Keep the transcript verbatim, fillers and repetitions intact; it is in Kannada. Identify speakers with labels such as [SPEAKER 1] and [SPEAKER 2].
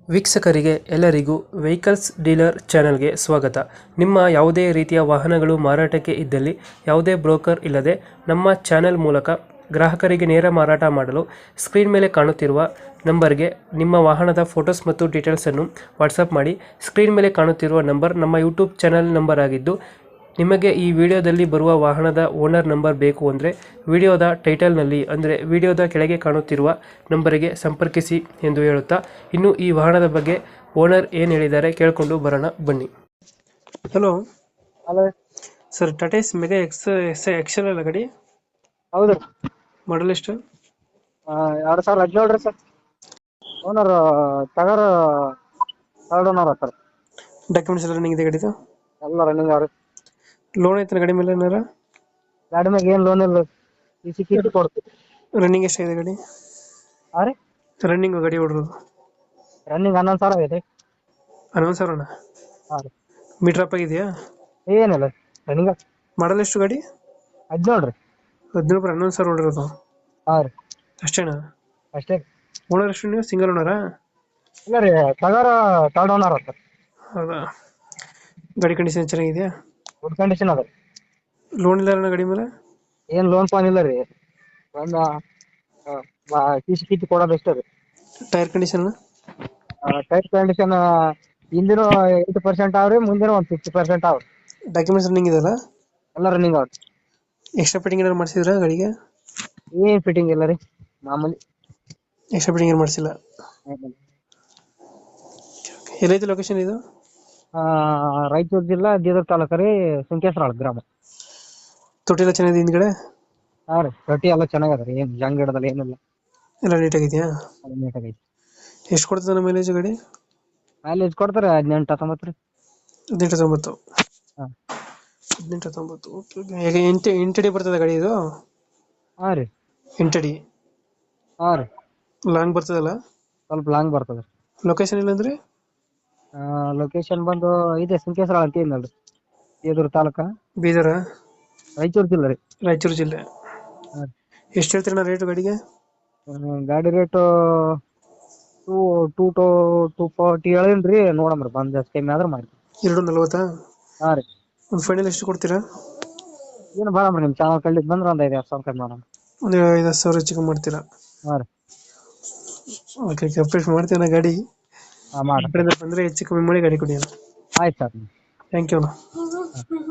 [SPEAKER 1] ವೀಕ್ಷಕರಿಗೆ ಎಲ್ಲರಿಗೂ ವೆಹಿಕಲ್ಸ್ ಡೀಲರ್ ಚಾನೆಲ್ಗೆ ಸ್ವಾಗತ. ನಿಮ್ಮ ಯಾವುದೇ ರೀತಿಯ ವಾಹನಗಳು ಮಾರಾಟಕ್ಕೆ ಇದ್ದಲ್ಲಿ ಯಾವುದೇ ಬ್ರೋಕರ್ ಇಲ್ಲದೆ ನಮ್ಮ ಚಾನೆಲ್ ಮೂಲಕ ಗ್ರಾಹಕರಿಗೆ ನೇರ ಮಾರಾಟ ಮಾಡಲು ಸ್ಕ್ರೀನ್ ಮೇಲೆ ಕಾಣುತ್ತಿರುವ ನಂಬರ್ಗೆ ನಿಮ್ಮ ವಾಹನದ ಫೋಟೋಸ್ ಮತ್ತು ಡೀಟೇಲ್ಸನ್ನು ವಾಟ್ಸಪ್ ಮಾಡಿ. ಸ್ಕ್ರೀನ್ ಮೇಲೆ ಕಾಣುತ್ತಿರುವ ನಂಬರ್ ನಮ್ಮ ಯೂಟ್ಯೂಬ್ ಚಾನೆಲ್ ನಂಬರ್ ಆಗಿದ್ದು, ನಿಮಗೆ ಈ ವಿಡಿಯೋದಲ್ಲಿ ಬರುವ ವಾಹನದ ಓನರ್ ನಂಬರ್ ಬೇಕು ಅಂದರೆ ವಿಡಿಯೋದ ಟೈಟಲ್ನಲ್ಲಿ ಅಂದರೆ ವಿಡಿಯೋದ ಕೆಳಗೆ ಕಾಣುತ್ತಿರುವ ನಂಬರಿಗೆ ಸಂಪರ್ಕಿಸಿ ಎಂದು ಹೇಳುತ್ತಾ, ಇನ್ನು ಈ ವಾಹನದ ಬಗ್ಗೆ ಓನರ್ ಏನು ಹೇಳಿದ್ದಾರೆ ಕೇಳಿಕೊಂಡು ಬರೋಣ ಬನ್ನಿ. Hello
[SPEAKER 2] hello
[SPEAKER 1] sir, Tata Ace mega X S Excel ಅಲ್ಲ ಗಾಡಿ?
[SPEAKER 2] ಹೌದು
[SPEAKER 1] ಮಾಡಲ್ ಎಷ್ಟು?
[SPEAKER 2] ಎರಡು ಸಾವಿರದ ಹದಿನೇಳು ರೀ ಸರ್. ಓನರ್ ಟಗರ್ ಥರ್ಡ್ ಓನರ್ ಸರ್.
[SPEAKER 1] ಡಾಕ್ಯುಮೆಂಟ್ಸ್ ಎಲ್ಲ ರನ್ನಿಂಗ್ ಇದೆ ಗಾಡಿದು?
[SPEAKER 2] ಎಲ್ಲ ರನ್ನಿಂಗ್ ಅವ್ರಿ.
[SPEAKER 1] ಲೋನ್ ಐತೆ ಗಾಡಿ ಮೇಲೆ ಏನಾರ?
[SPEAKER 2] ಗಾಡಿ ಮ್ಯಾಗ ಏನು ಲೋನ್ ಇಲ್ಲ, ಈ ಸಿ ಕಿಟ್ ಕೊಡ್ತೀವಿ.
[SPEAKER 1] ರನ್ನಿಂಗ್ ಎಷ್ಟಾಗಿದೆ ಗಾಡಿ?
[SPEAKER 2] ಹಾಂ ರೀ,
[SPEAKER 1] ರನ್ನಿಂಗ್ ಗಾಡಿ ಹೊಡ್ರೋದು
[SPEAKER 2] ರನ್ನಿಂಗ್ ಹನ್ನೊಂದು ಸಾವಿರ ಆಗೈತೆ.
[SPEAKER 1] ಹನ್ನೊಂದು ಸಾವಿರನ?
[SPEAKER 2] ಹಾಂ ರೀ.
[SPEAKER 1] ಮೀಟರ್ ಅಪ್ ಆಗಿದೆಯಾ?
[SPEAKER 2] ಏನಿಲ್ಲ ರನ್ನಿಂಗ್.
[SPEAKER 1] ಮಾಡಲ್ ಎಷ್ಟು ಗಾಡಿ?
[SPEAKER 2] ಹದಿನೇಳು ರೀ.
[SPEAKER 1] ಹದಿನೇಳು ಬರ ಹನ್ನೊಂದು ಸಾವಿರ ಹೊಡಿರೋದು
[SPEAKER 2] ಹಾಂ ರೀ,
[SPEAKER 1] ಅಷ್ಟೇನಾ?
[SPEAKER 2] ಅಷ್ಟೇ.
[SPEAKER 1] ಓನರ್ ಎಷ್ಟು ನೀವು? ಸಿಂಗಲ್ ಓನರಾ?
[SPEAKER 2] ಇಲ್ಲ ರೀ, ಟಗರ್ ಥರ್ಡ್ ಓನರ್ ಸರ್.
[SPEAKER 1] ಹೌದಾ? ಗಾಡಿ ಕಂಡೀಷನ್ ಚೆನ್ನಾಗಿದೆಯಾ?
[SPEAKER 2] ಗುಡ್ ಕಂಡೀಷನ್ ಅದ ರೀ.
[SPEAKER 1] ಲೋನ್ ಇಲ್ಲ ಗಾಡಿ ಮೇಲೆ?
[SPEAKER 2] ಏನು ಲೋನ್ ಪಾನ್ ಇಲ್ಲ ರೀ. ಒಂದು ಸಿ ಸಿ ಕಿಟ್ ಕೊಡೋದು ಅಷ್ಟೇ ರೀ.
[SPEAKER 1] Tyre condition?
[SPEAKER 2] ಟೈರ್ ಕಂಡೀಷನ್ ಹಿಂದಿನ ಏಯ್ಟಿ ಪರ್ಸೆಂಟ್ ಅವ್ರಿ, ಮುಂದಿನ ಒಂದು ಫಿಫ್ಟಿ ಪರ್ಸೆಂಟ್ ಅವ್ರಿ.
[SPEAKER 1] ಡಾಕ್ಯುಮೆಂಟ್ಸ್ ರನ್ನಿಂಗ್ ಇದೆಯಲ್ಲ?
[SPEAKER 2] ಎಲ್ಲ ರನ್ನಿಂಗ್ ಅವ್ರಿ.
[SPEAKER 1] ಎಕ್ಸ್ಟ್ರಾ ಫಿಟ್ಟಿಂಗ್ ಏನಾರು ಮಾಡಿಸಿದ್ರಾ ಗಾಡಿಗೆ?
[SPEAKER 2] ಏನು ಫಿಟ್ಟಿಂಗ್ ಇಲ್ಲ ರೀ, ಮಾಮೂಲಿ.
[SPEAKER 1] ಎಕ್ಸ್ಟ್ರಾ ಫಿಟ್ಟಿಂಗ್ ಏನು ಮಾಡಿಸಿಲ್ಲ? ಎಲ್ಲೈತೆ ಲೊಕೇಶನ್ ಇದು?
[SPEAKER 2] ರಾಯಚೂರು ಜಿಲ್ಲಾ ಬೀದರ್ ತಾಲೂಕು ರೀ, ಸುಂಕೇಶ್ವರ ಗ್ರಾಮ.
[SPEAKER 1] ತೊಟ್ಟಿ ಎಲ್ಲ ಚೆನ್ನಾಗಿದೆ ಹಿಂದ್ಗಡೆ?
[SPEAKER 2] ಹಾಂ ರೀ, ರೊಟ್ಟಿ ಎಲ್ಲ ಚೆನ್ನಾಗದ ರೀ, ಏನು ಜಂಗ್ ಹಿಡ್ದಲ್ಲ, ಏನಿಲ್ಲ.
[SPEAKER 1] ಎಲ್ಲ ನೀಟಾಗಿದೆಯಾ?
[SPEAKER 2] ನೀಟಾಗೈತಿ.
[SPEAKER 1] ಎಷ್ಟು ಕೊಡ್ತದೆ ನಮ್ಮ ಮೈಲೇಜ್ ಗಾಡಿ?
[SPEAKER 2] ಮೈಲೇಜ್ ಕೊಡ್ತಾರೆ ಹದಿನೆಂಟು ಹತ್ತೊಂಬತ್ತು ರೀ.
[SPEAKER 1] ಹದಿನೆಂಟು ಹತ್ತೊಂಬತ್ತು?
[SPEAKER 2] ಹಾಂ,
[SPEAKER 1] ಹದಿನೆಂಟು ಹತ್ತೊಂಬತ್ತು ಓಕೆ ಓಕೆ. ಈಗ ಎಂಟು ಎಂಟಡಿ ಬರ್ತದೆ ಗಾಡಿ ಇದು?
[SPEAKER 2] ಹಾಂ ರೀ.
[SPEAKER 1] ಎಂಟಡಿ?
[SPEAKER 2] ಹಾಂ ರೀ,
[SPEAKER 1] ಲಾಂಗ್ ಬರ್ತದಲ್ಲ?
[SPEAKER 2] ಸ್ವಲ್ಪ ಲಾಂಗ್ ಬರ್ತದೆ.
[SPEAKER 1] ಲೊಕೇಶನ್ ಇಲ್ಲಂದ್ರೆ?
[SPEAKER 2] ಲೊಕೇಶನ್ ಬಂದು ಇದೆ ಸುಂಕೇಶ್ವರ ಅಂತ ಏನಲ್ರಿ, ಬೀದರ್ ತಾಲೂಕ.
[SPEAKER 1] ಬೀದರ?
[SPEAKER 2] ರಾಯಚೂರು ಜಿಲ್ಲೆ ರೀ.
[SPEAKER 1] ರಾಯಚೂರು ಜಿಲ್ಲೆ.
[SPEAKER 2] ಹಾಂ.
[SPEAKER 1] ಎಷ್ಟು ಹೇಳ್ತೀರಣ್ಣ ರೇಟು ಗಾಡಿಗೆ?
[SPEAKER 2] ಗಾಡಿ rate two two two two forty ಹೇಳಿನಿ ರೀ, ನೋಡಮ್ರಿ ಬಂದು ಜಾಸ್ತಿ ಕಮ್ಮಿ ಆದ್ರೆ ಮಾಡಿ.
[SPEAKER 1] ಎರಡು ನಲ್ವತ್ತಾ?
[SPEAKER 2] ಹಾಂ ರೀ.
[SPEAKER 1] ಒಂದು ಫೈನಲ್ ಎಷ್ಟು ಕೊಡ್ತೀರಾ?
[SPEAKER 2] ಏನು ಬರಮ್ರಿ, ನಿಮ್ಮ ಚಾನಲ್ ಕಳ್ಳಿದ್ ಬಂದ್ರೆ ಒಂದು ಐದು ಹತ್ತು ಸಾವಿರ ಕಮ್ಮಿ ಮಾಡೋಣ.
[SPEAKER 1] ಒಂದು ಐದು ಹತ್ತು ಸಾವಿರ ಚಿಕನ್ ಮಾಡ್ತೀರಾ?
[SPEAKER 2] ಹಾಂ ರೀ.
[SPEAKER 1] ಓಕೆ ಓಕೆ, ಅಪ್ಡೇಟ್ ಮಾಡ್ತೀವಿ ನಾ ಗಾಡಿ.
[SPEAKER 2] ಹಾಂ ಮಾಡಿ.
[SPEAKER 1] ಬಂದರೆ ಹೆಚ್ಚು ಕಮ್ಮಿ ಮಾಡಿ ಗಾಡಿ ಕೊಡಿ ಅಣ್ಣ.
[SPEAKER 2] ಆಯ್ತು ಸರ್.
[SPEAKER 1] ಥ್ಯಾಂಕ್ ಯು ಅಣ್ಣ.